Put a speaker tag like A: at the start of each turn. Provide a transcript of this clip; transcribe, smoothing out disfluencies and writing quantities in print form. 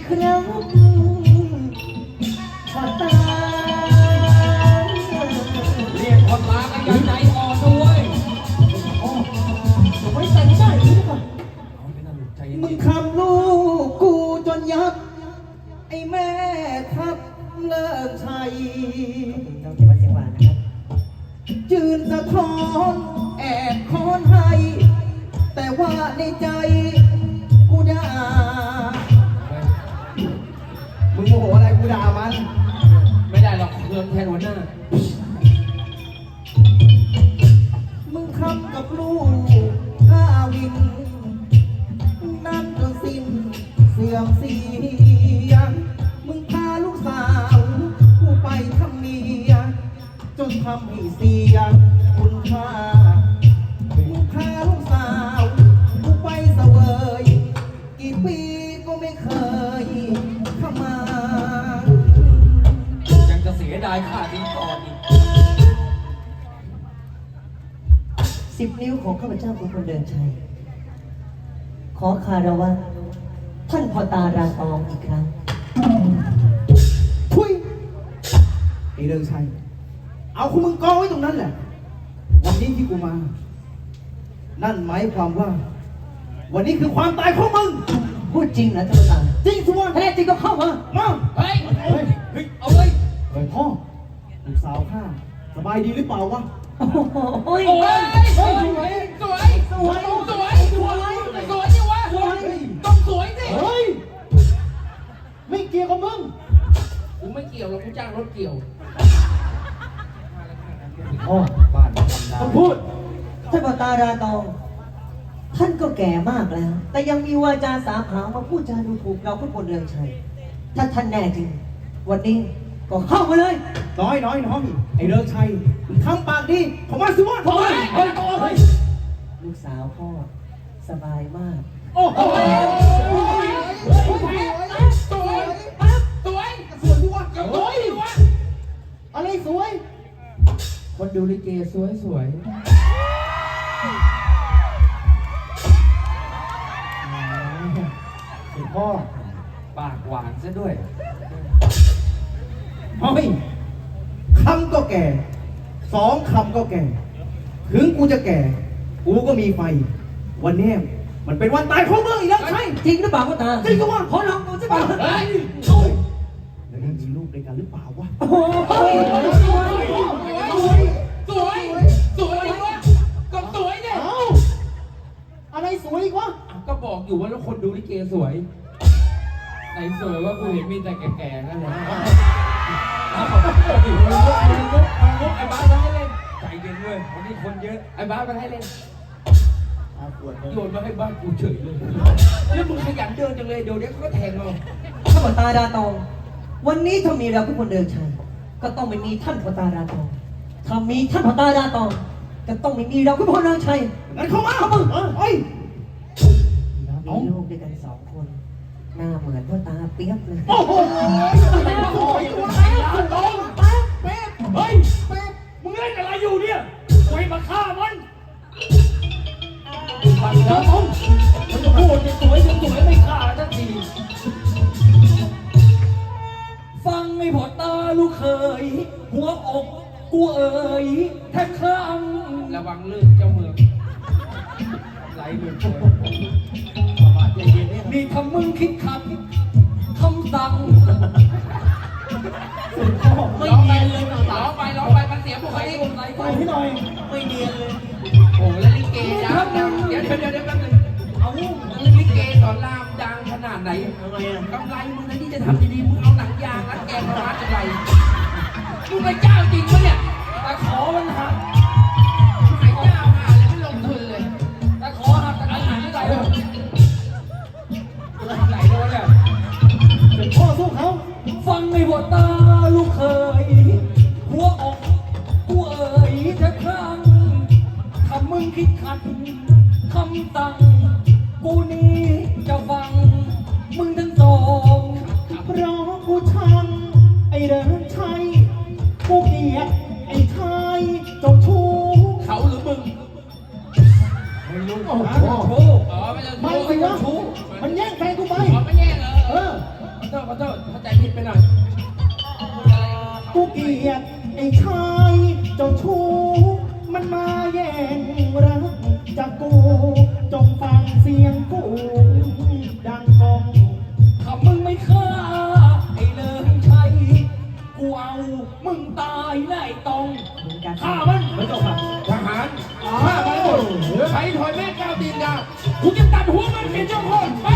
A: ครับขอตา
B: เรียกคนมากันอย่างใจอ่อนด้วย
A: โอ้ไว้ใจไม่ได้หรือเปล่ามึงทำลูกกูจนยับไอ้แม่ทับเลิกชัยต้องเก็บไว้เสียงหวานนะครับจืนสะท้อนแอบคอนให้แต่ว่าในใจกูด่ามึงโมโหอะไรกูด่ามัน
B: ไม่ได้หรอกเครื่องแทนหัวหน้า
A: มึงทำกับลูกข้าวินนั่นจนสิ้นเสื่อมเสียมึงพาลูกสาวกูไปทำเมียจนทำให้เสียคุณค่ามึงพาลูกสาวกูไปเสวยกี่ปีก็ไม่เคยเข้ามา
B: ยังจะเสียดายค่าทิ้งก่อนอีก
A: 10 นิ้วของข้าพเจ้าคุณคนเดินชัยขอคารวะท่านพ่อตาราตองอีกครั้งทุยไอ้เดินชัยเอาคุณมึงกองไว้ตรงนั้นแหละวันนี้ที่กูมานั่นหมายความว่าวันนี้คือความตายของมึงพูดจริงนะท่านพ่อตาจริงสิวะถ้าแน่จริงก็เข้ามา
B: เฮ้ยเอาเลย
A: เฮ้ยพ่อลูกสาวข้าสบายดีหรือเปล่าวะ
B: โอ้ยสวยสวยสวยสวยสวยสวยดิวะต้องสวยสิ
A: เฮ้ยไม่เกี่ยวกับมึง
B: กูไม่เกี่ยวหรอกกูจ้างรถเกี่ยว
A: พ่อบ้านต้องพูดท่านพ่อตาราตองท่านก็แก่มากแล้ว แต่ยังมีวาจาสาผามาพูดจาดูถูกเราทุกคนเรืองชัยถ้าท่านแน่จริงวันนี้ก็เข้ามาเลยน้อยไอ้เรืองชัยทำปากดีผมว่าสิวะลูกสาวพ่อสบายมากโอ้โห
B: สวยสวยสวยดิวะสวยดิวะ
A: อะไรสวย
B: คนดูลิเกสวย
A: พ่อ
B: ปากหวานซะด้วย
A: เฮ้ยคำก็แก่2 คำก็แก่ถึงกูจะแก่กูก็มีไฟวันนี้มันเป็นวันตายของมึงอีกแล้วใช่จริงหรือเปล่าพ่อตาจริงก็ว่าขอลองดูสิเปล่าเฮ้ยแล้วยังมีลูกด้วยกันหรือเปล่าวะโอ้โห
B: สวยดิวะก็สวยเนี่ย
A: อะไรสวยอีกวะ
B: ก็บอกอยู่ว่าแล้วคนดูลิเกสวยไหนสวยว่ากูเห็นมีแต่แก่ๆนั่นแหละไอ้บ้ามาให้เล่นใจเย็นด้วยวันนี้คนเยอะไอ้บ้ามาให้เล่นโยนมาให้บ้านกูเฉยเลยแล้วมึงขยันเดินจังเลยเดี๋ยวเขาก็แทงเรา
A: ถ้าพ่อตาราตองวันนี้ถ้ามีเราทุกคนเดินชัยก็ต้องไม่มีท่านพ่อตาราตองถ้ามีท่านพ่อตาราตองก็ต้องไม่มีเราทุกคนเดินชัยงั้นเข้ามาเฮ้ยมีลูกด้วยกัน2 คนหน้าเหมือนพ่อตาเปียกเลยโอ้โห
B: เฮ้ยมึงเล่นอะไรอยู่เนี่ยไปมาฆ่ามันมันจะพูดจะสวยไม่ฆ่าทันทีฟังไม่พอตาลูกเคยหัวอกกูเอ๋ยแทบคลั่งระวังลื่นเจ้าเมืองไหลเมืองนี่ทำมึงคิดขัดคำสั่งไม่เนียนเลยร้องไปมันเสียบุคลิก
A: ไปให้หน่อยไม่เนียนเลย
B: โอ้แล้วลิเกดังเดี๋ยวแป๊บนึงเอาลิเกสอนรามดังขนาดไหนกำไรมึงนะที่จะทำดีๆมึงเอาหนังยางรัดแกมาวัดอะไรมึงเป็นเจ้าจริงปะเนี่ยแต่ขอมันหักหายเจ้าหาเลยไม่ลงทุนเลยแต่ขอหักแต่หายไม่ได้เลยไหลโดนเนี่ย
A: เป็นพ่อสู้เขา
B: ฟังไม่หมดตาลูกเคยหัวอกกูเอ๋ยแทบคลั่งถ้ามึงคิดขัดคำสั่งกูนี้จะฟังมึงทั้ง2เพราะกูชังไอ้เดินชัยกูเกลียดไอ้ชายเจ้าชู้เขาหรือมึงไม่รู้
A: โอ้โห
B: ไม่
A: สิวะมันแย่งแฟนกูไป
B: ไม่แย่งเหรอขอโทษเข้าใจผิดไปหน่อย
A: กูเกลียดไอ้ชายเจ้าชู้มันมาแย่งรักจากกูจงฟังเสียงกูดังกอง
B: ถ้ามึงไม่ฆ่าไอ้เลิงชัยกูเอามึงตายแน่ไอ้ตองฆ่ามันไม่ต้องฆ่า
C: ทหารฆ่ามันหมดใช้ถอยแม่ก้าวตีนยา
B: กูจะตัดหัวมันเป็นเจ้าพ่อไป